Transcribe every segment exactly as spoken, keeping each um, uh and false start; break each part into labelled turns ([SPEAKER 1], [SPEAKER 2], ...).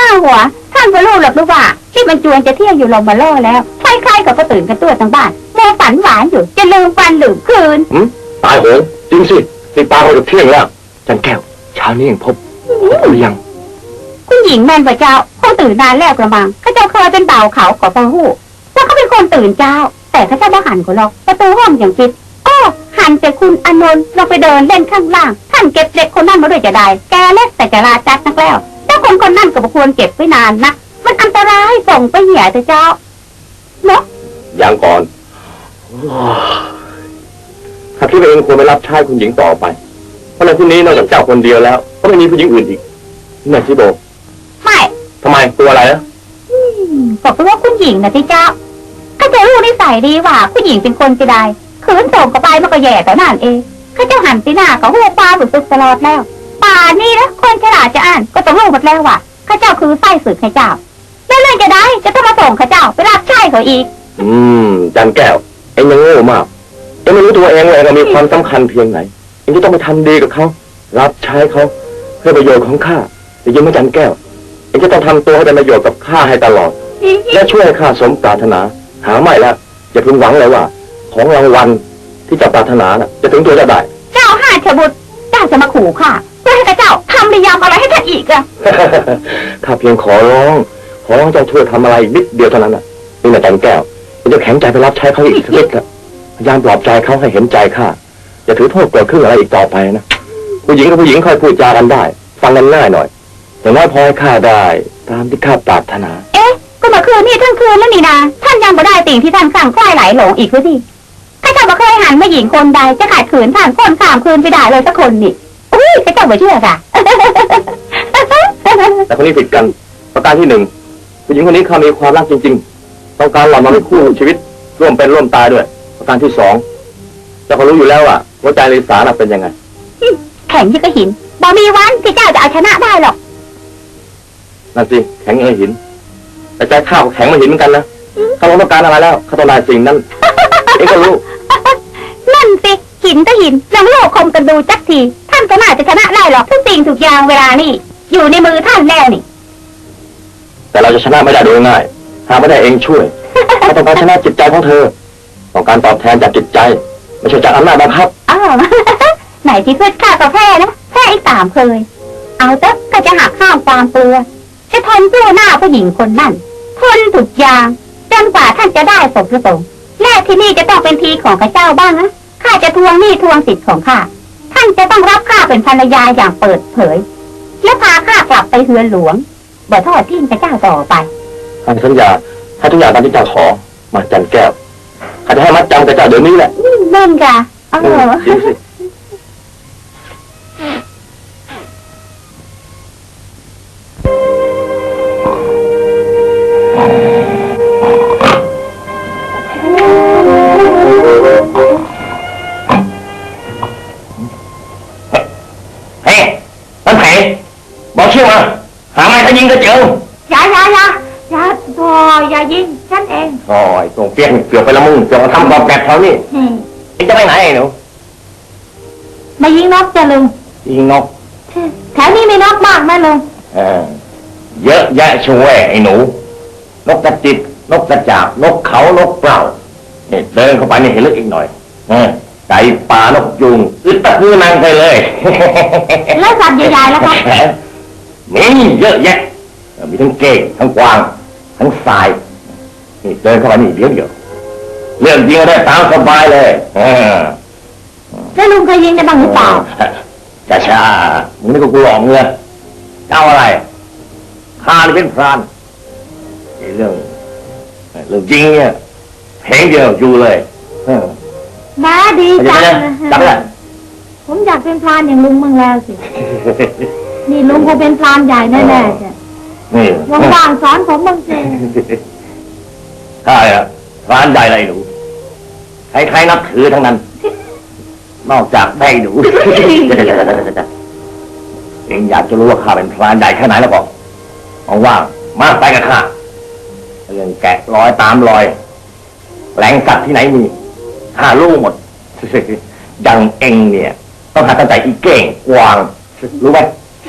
[SPEAKER 1] หัวท่านก็รู้หรอกรู้ว่าที่มันจวนจะเที่ยงอยู่ลงมาล่อแล้วใครๆก็ตื่นกันตัวทั้งบ้านโมฝันหวานอยู่จะลืมวันลืมคืน
[SPEAKER 2] ตายโหงจริงสิตีปลาเขาจะเที่ยงแล้วจันแก้วเช้านี้ยังพบหรือยัง
[SPEAKER 1] คุณหญิงแม่นพระเจ้าคงตื่นนานแล้วกระมังข้าเจ้าเคยเป็นเบาเขาขอพระหูว่าเขาเป็นคนตื่นเจ้าแต่ข้าเจ้าบ่หันก็หรอกประตูห้องอย่างคิดอ้อหันแต่คุณอานนท์ลงไปเดินเล่นข้างล่างท่านเก็บเด็กคนนั้นมาด้วยจะได้แกเล็กแต่จะราจัดนักแล้วเจ้าคนคนนั้นก็บ่ควรเก็บไว้นานนะมันอันตรายส่งไปเหี่ยแต่เจ้าเนาะ
[SPEAKER 2] อย่างก่อนข้าคิดว่าเองควรไปรับใช้คุณหญิงต่อไปเพราะในที่นี้นอกจากเจ้าคนเดียวแล้วก็ไม่มีผู้หญิงอื่นอีกนี่ชิโบ
[SPEAKER 1] ไม่
[SPEAKER 2] ทำไมตัวอะไรนะ
[SPEAKER 1] บอกว่าคุณหญิงนะที่เจ้าข้าเจ้ารู้นิสัยดีว่าผู้หญิงเป็นคนจะได้ขืนส่งกับไปมันก็แย่แต่นั่นเองข้าเจ้าหันตีหน้าเขาหัวปลาหรือซึกตลอดแล้วป่านี่นะคนฉลาดจะอ่านก็ต้องรู้หมดแล้วว่าข้าเจ้าคือไส้ศึกให้เจ้าแล้วเรื่องจะได้จะต้องมาส่งข้าเจ้าไปรับใช้เขาอีก
[SPEAKER 2] อืมจันแก้วเอ็งยังโง่มากเอ็งไม่รู้ตัวเองเลยเรามีความสำคัญเพียงไหนเอ็งจะต้องไปทำดีกับเขารับใช้เขาเพื่อประโยชน์ของข้าแต่ยังไม่จันแก้วเอ็งจะต้องทำตัวให้เป็นประโยชน์กับข้าให้ตลอดและช่วยให้ข้าสมปรารถนาหาไม่แล้วอย่าพึงหวังเลยว่าของรางวัลที่เจ้าปรารถนาน่ะจะถึงตัวจะได้
[SPEAKER 1] เจ้าห้าชบุตรเจ้าจะมาขู่ข้าเพื่อให้ข้าเจ้าทำนิยามอะไรให้ท่านอีกอะ
[SPEAKER 2] ข้าเพียงขอร้องขอร้องเจ้าช่วยทำอะไรนิดเดียวเท่านั้นน่ะนี่นะจันแก้วจะแข็งใจไปรับใช้เขาอีกสักนิดละพยายามปลอบใจเขาให้เห็นใจข้าอย่าถือโทษโกรธขึ้นอะไรอีกต่อไปนะผู้หญิงกับผู้หญิงค่อยพูดจากันได้ฟังกันง่ายหน่อยอย่างน้อยพอให้ข้าได้ตามที่ข้าปรารถนา
[SPEAKER 1] เอ๊ะก็เมื่อคืนนี่ทั้งคืนแล้วนี่นาท่านยังไม่ได้สิ่งที่ท่านสั่งค่อยไหลหลงอีกหรือที่ข้าเจ้าบ่เคยหันมาหญิงคนใดจะขาดขืนท่านคนสามคืนไปได้เลยสักคนนี่อุ้ยข้าเจ้าไม่เชื่อค่ะ
[SPEAKER 2] แต่คนนี้ผิดกันประการที่หนึ่งผู้หญิงคนนี้เขามีความรักจริงๆต้องการหล่อมาเป็นคู่ชีวิตร่วมเป็นร่วมตายด้วยประการที่สองเจ้าก็รู้อยู่แล้วว่าหัวใจลิสาเป็นยังไง
[SPEAKER 1] แข็งยิ่งกระหินบ่มีวันที่เจ้าจะเอาชนะได้หรอก
[SPEAKER 2] นั่นสิแข็งยังหินแต่ใจข้าแข็งมาหินเหมือนกันนะเขาต้องการอะไรแล้วเขาต้องการสิ่งนั้นเองก็รู้
[SPEAKER 1] นั่นสิหินก็หินลองโลกคมกันดูจักทีท่านก็น่าจะชนะได้หรอกทุกสิ่งทุกอย่างเวลานี่อยู่ในมือท่านแล้วนี่
[SPEAKER 2] แต่เราจะชนะไม่ได้โดยง่ายหาไม่ได้เองช่วยเราต้องการชนะจิตใจของเธอต้องการตอบแทนจากจิตใจไม่ใช่จากอำนาจบังคับ
[SPEAKER 1] อ้าวไหนที่เพื่อนข้าก็แพ้นะแพ้อีกสามเคยเอาเถอะก็จะหักข้ามความเปลือจะทนสู้หน้าผู้หญิงคนนั่นทนทุกอย่างจนกว่าท่านจะได้สมประสงค์และที่นี่จะต้องเป็นทีของข้าเจ้าบ้างนะข้าจะทวงหนี้ทวงสิทธิ์ของข้าท่านจะต้องรับข้าเป็นภรรยาอย่างเปิดเผยและพาข้ากลับไปเฮือนหลวงบ่ทอดทิ้งข้าเจ้าต่อไป
[SPEAKER 2] ข้าสัญญาให้ทุกอย่างตามที่เจ้าขอมาจันแก้วข้าจะให้มัดจำข้าเจ้าเดี๋ยวนี้แหละ
[SPEAKER 1] เล่นกะเออ
[SPEAKER 2] บอกชื่อมาหาไม้ถ้ายิงก็เจอ
[SPEAKER 1] อย่าอย่าอย่าอย่าพออย่ายิงฉันเอง
[SPEAKER 2] โอ้ยส่งเปี้ยนเกี่ยวไปละมึงเกี่ยวกับทำบอลแกะแถวนี้นี่จะไปไหนไอ้หนู
[SPEAKER 1] มายิงนกจะลุง
[SPEAKER 2] ยิงนก
[SPEAKER 1] แถวนี้มีนกมากไหมลุง
[SPEAKER 2] เออเยอะแยะช่วยไอ้หนูนกกระจิบนกกระจาบนกเขานกเปล่าเนี่ยเดินเข้าไปนี่เห็นลึกอีกหน่อยเออไก่ป่านกยุงอึดตะคือนางไปเลย
[SPEAKER 1] แล้วสัตว์ใหญ่ๆแล้วครับ
[SPEAKER 2] มีเยอะแยะมีทั้งเก้งทั้งกวางทั้งทรายนี่เดินเข้ามานี่เดี๋ยวเดียวเรื่องยิงได้ตามสบายเลย
[SPEAKER 1] แล้วลุงเคยยิงได้บ้างหรือเปล่า
[SPEAKER 2] ช้าช้ามึงนี่ก็กูหลอกเงือเจ้าอะไรข้าเป็นพรานเรื่องเรื่องจริงเนี่ยเพลงเดียวอยู่เลย
[SPEAKER 1] น้าดีจัง
[SPEAKER 2] จังเลย
[SPEAKER 1] ผมอยากเป็นพรานอย่างลุงมั่งแล้วสินี่ลุงคงเป็นพรานใหญ่แน่ๆจ้ะ
[SPEAKER 2] นี่
[SPEAKER 1] ว่างๆสอนผมบ้างสิ
[SPEAKER 2] ใช่อะพรานใหญ่อะไรหนูใครๆนับถือทั้งนั้นนอกจากแม่หนูเองอยากจะรู้ว่าข้าเป็นพรานใหญ่แค่ไหนแล้วบอกว่างๆมาไปกับข้าเรื่องแกะรอยตามรอยแหล่งสัตว์ที่ไหนมีข้ารู้หมดดังเองเนี่ยต้องหาตั้งแต่อีเก่งกวางรู้ไหม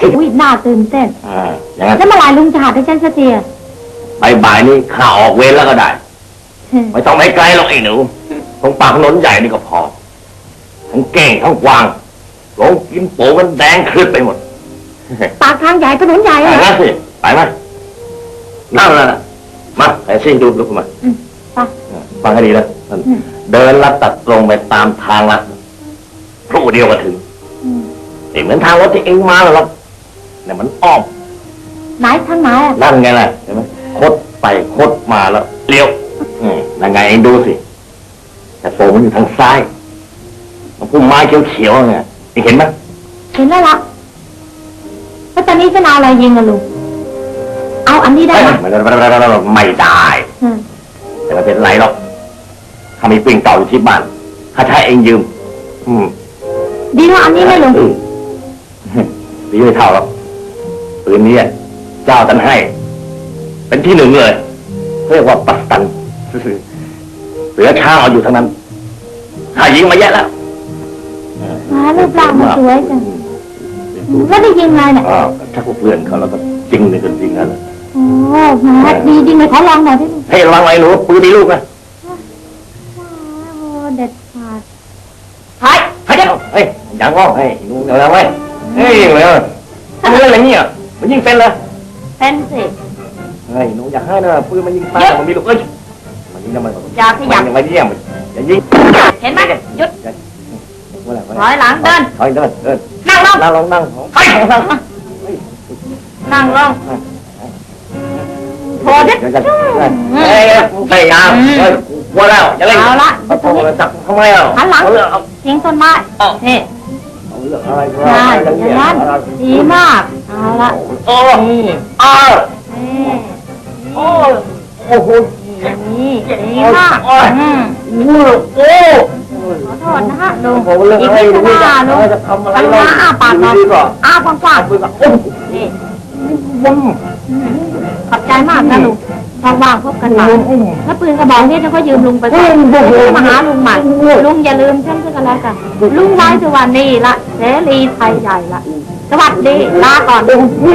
[SPEAKER 1] อุ้ยน่าตื่นเต้น
[SPEAKER 2] อ่าอย่างนั้น
[SPEAKER 1] แล้วเมื่อไหร่ลุงจะหาให้ฉันสักทีอะ
[SPEAKER 2] บ่ายๆนี้ข้าออกเวรแล้วก็ได้ ไม่ต้องไปไกลหรอกไอ้หนูตรงปากถนนใหญ่นี่ก็พอทั้งเก่งทั้งกวางหลงกินโป๋กันแดงคลืดไปหมด
[SPEAKER 1] ปากทางใหญ่ถนนใหญ่
[SPEAKER 2] ไป
[SPEAKER 1] อะ
[SPEAKER 2] นะสิไปไหมนั่งแล้วนะมาไอ้ซิ่งดูลุกขึ้นมา
[SPEAKER 1] อืมไป
[SPEAKER 2] ฟังให้ดีนะท่านเดินลัดตัดตรงไปตามทางลัดครู่เดียวก็ถึง
[SPEAKER 1] อืม
[SPEAKER 2] นี่เหมือนทางรถที่เองมาหรอกเนี่ยมันอ้อม
[SPEAKER 1] ไหนทางไหนอะ
[SPEAKER 2] นั่นไงล่ะเห็นไหมคดไปคดมาแล้วเลี้ยวอืมนั่นไงเองดูสิแต่โฟมันอยู่ทางซ้ายมันพุ่มไม้เขียวๆไงเองเห็นไหม
[SPEAKER 1] เห็นแล้วล่ะแล้วตอนนี้จะเอาอะไรยิงอะลุงเอาอันนี้ได้
[SPEAKER 2] เอ้ย
[SPEAKER 1] ไหม
[SPEAKER 2] ไม่ได้ไม่ได้
[SPEAKER 1] อืม
[SPEAKER 2] แต่ไม่เป็นไรหรอกถ้ามีปืนเก่าอยู่ที่บ้านถ้าใช้เองยืม อืม
[SPEAKER 1] ดีกว่าอันนี้ไหมลุง
[SPEAKER 2] เออดีไม่เท่าหรอกปืนนี้เจ้าท่านให้ เป็นที่หนึ่งเลยเรียกว่าปัสตันเหลือข้าวเอาอยู่ทั้งนั้นข้ายิงมาแยะแล้ว
[SPEAKER 1] ว้ารูปร่างมันสวยจังแล้วได้ยิงอะไรเนี่ย
[SPEAKER 2] อ้าวถ้าพวกเพื่อนเขาแล้วก็จริงเลยกันจริงนั่นแหละ
[SPEAKER 1] โอ้แหมดีจริงเลยขอลองหน่อยได้ไหม
[SPEAKER 2] ให้ระวังไว้หนูปืนมีลูกนะ
[SPEAKER 1] โอ้เด็ดขาด
[SPEAKER 2] เฮ้ยเฮ้ยเฮ้ยยังง้อเฮ้ยหนูเดี๋ยวนะเว้ยเฮ้ยยิงเลยทำอะไรเนี่ยมันยิงเป็นเลย
[SPEAKER 1] เป็นสิ
[SPEAKER 2] เฮ้ยหนูอยากให้นะปืนมันยิงตายมันมีลูกเอ้ยมันยิงทำไม
[SPEAKER 1] อย่าขยับ
[SPEAKER 2] มันเยี่ยมอย่ายิง
[SPEAKER 1] เห็นไหมหยุด
[SPEAKER 2] ว่าอะไร
[SPEAKER 1] ถอยหลังเดิน
[SPEAKER 2] ถอยเดินเดิน
[SPEAKER 1] นั่งลง
[SPEAKER 2] นั่งลงนั่งไปนั่ง
[SPEAKER 1] นั่งลงโทรดิ
[SPEAKER 2] เดี๋ยวจะเฮ้ยพยายามเฮ้ยว่าแล้วอย่าเล่น
[SPEAKER 1] เอาละ
[SPEAKER 2] เอาโทรศัพท์ทำไมอ่ะ
[SPEAKER 1] หันหลัง
[SPEAKER 2] เอาเรื่องเอา
[SPEAKER 1] ทิ้งต้นไม้นี่
[SPEAKER 2] เอาเรื่องอะไรก็
[SPEAKER 1] ใช่
[SPEAKER 2] ได้
[SPEAKER 1] อย่างนั้นดีมากเอาละ
[SPEAKER 2] โอ้อ้าว
[SPEAKER 1] นี่
[SPEAKER 2] โอ้โอ้โห
[SPEAKER 1] นี่ดีมากอืม
[SPEAKER 2] โอ้
[SPEAKER 1] ขอโทษนะฮะลุง
[SPEAKER 2] ผมเรื่อง
[SPEAKER 1] อีก
[SPEAKER 2] อะไร
[SPEAKER 1] นิด
[SPEAKER 2] นี่
[SPEAKER 1] ข้างหน้าลุง
[SPEAKER 2] จะทำอะไร
[SPEAKER 1] ข้างหน้าอ้าปากหน่อย
[SPEAKER 2] ดีกว่า
[SPEAKER 1] อ้ากว้าง
[SPEAKER 2] ปืนกับโอ้
[SPEAKER 1] ๆนี่
[SPEAKER 2] บุ้ม
[SPEAKER 1] ขอบใจมากนะลุงว่างๆพบกันใหม่ถ้าปืนกระบอกนี้ฉันก็ยืมลุงไปก่อนมาหาลุงใหม่ลุงอย่าลืมฉันก็แล้วกันลุงไว้สวัสดีละเสรีไทยใหญ่ละสวัสดีลาก่อน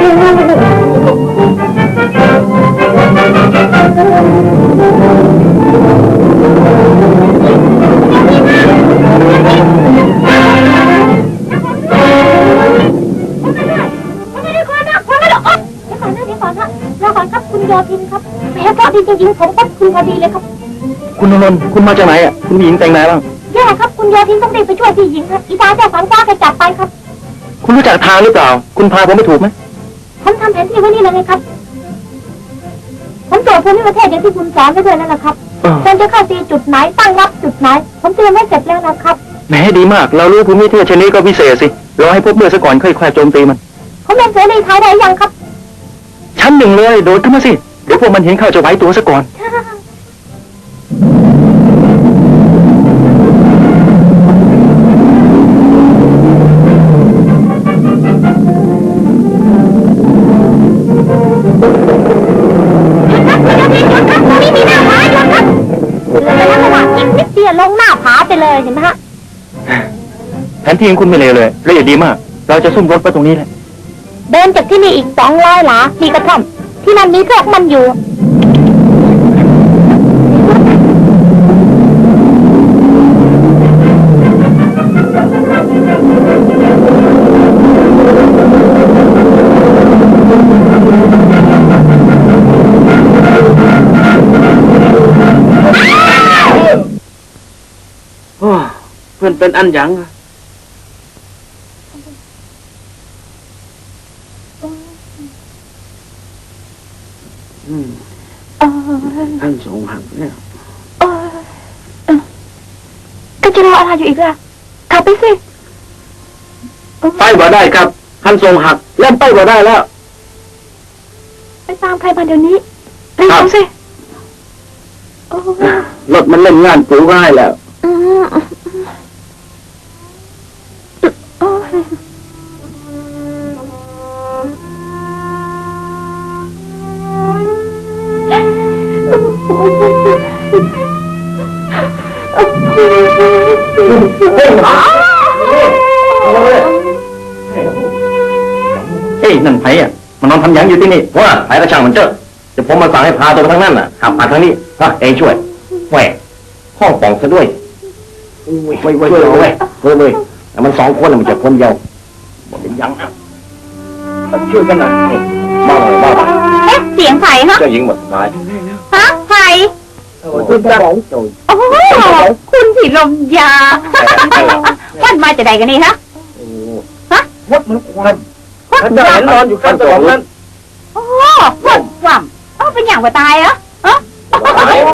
[SPEAKER 1] แล้วก่อนครับคุณโยธินครับแหมพอดีจริงๆผมก็คุณพอดีเลยครับ
[SPEAKER 2] คุณนนท์คุณมาจากไหนอ่ะคุณหญิงแต่งไหนบ้าง
[SPEAKER 1] แย่ครับคุณโยธินต้องรีบไปช่วยพี่หญิงครับอีตาเจ้าสังฟ้าแกจับไปครับ
[SPEAKER 2] คุณรู้จักทางหรือเปล่าคุณพาผมไม่ถูกไหม
[SPEAKER 1] ผมทำแผนที่ไว้นี่เลยไงครับ ผมตรวจภูมิประเทศอย่างที่คุณสอนไว้ด้วยนั่นแหละครับควรจะเข้าตีจุดไหนตั้งรับจุดไหน ผมเตรียมไว้เสร็จแล้วนะครับ
[SPEAKER 2] แหมดีมาก เรารู้ภูมิประเทศชนิดก็พิเศษสิรอให้พบเมื่อซะก่อนค่อยๆโจมตีมัน
[SPEAKER 1] ผมเป็นเสรีไทยได้ยังครับ
[SPEAKER 2] ชั้นหนึ่งเลยโดดขึ้นมาสิเดี๋ยวพวกมันเห็นเข้าจะไหวตัวซะก่อน
[SPEAKER 1] ไม่มีหน้าผาหยุดครับเรือไปแล้วระหว่างอีกนิดเดียวลงหน้าผาไปเลยเห็นไหมฮะ
[SPEAKER 2] แผนที่ของคุณไม่เลวเลยละเอียดดีมาก เราจะซุ่มรถไปตรงนี้แหละ
[SPEAKER 1] เดินจากที่นี่อีกสองร้อยหลามีกระท่อมที่นั่นมีพวกมันอยู่
[SPEAKER 2] เพื่อนเป็นอันยังท่านสงหักเนี่ย
[SPEAKER 1] ก็จะรออะไรอยู่อีกล่ะขับไปสิ
[SPEAKER 2] ไปบ่ได้ครับท่านทรงหักเล่นไปบ่ได้แล้ว
[SPEAKER 1] ไปตามใครมาเดี๋ยวนี้รีบสิ
[SPEAKER 2] รถมันเล่นงานปูง่ายแล้ว
[SPEAKER 1] อืมโอ้ย
[SPEAKER 2] เฮ้ยนั่นไผ่อะมันนอนทำหยังอยู่ที่นี่ว่าไผ่กระช่างมันเจอเดี๋ยวผมมาสั่งให้พาตัวไปทางนั้นน่ะขับมาทางนี้ฮะเองช่วยแหวห้องป่องซะด้วยเว้ยเว้ยเว้ยเว้ยเว้ยเว้ยเว้ยแต่มันสองคนน่ะมันจะคนเดียวบอกเป็นยังอ่ะช่วยกันหน่อยนี่บ้าหน่อยบ้าหน่อย
[SPEAKER 1] เอ๊ะเสียงไผ่ฮะ
[SPEAKER 2] เจ้าหญิงหมดตาย
[SPEAKER 1] ฮะไผ่
[SPEAKER 2] คุณจะบอกโจย
[SPEAKER 1] โอ้โหคุณผีลมยาวันมาจะใดกันนี่ฮะ
[SPEAKER 2] วัดมันควัน
[SPEAKER 1] วัด
[SPEAKER 2] ท่านจะเห็นนอนอยู่ข้างสมองนั้น
[SPEAKER 1] โอ้โหวัดว่ำเอ้าเป็นอย่างว่าตายเหรอ
[SPEAKER 2] ตาย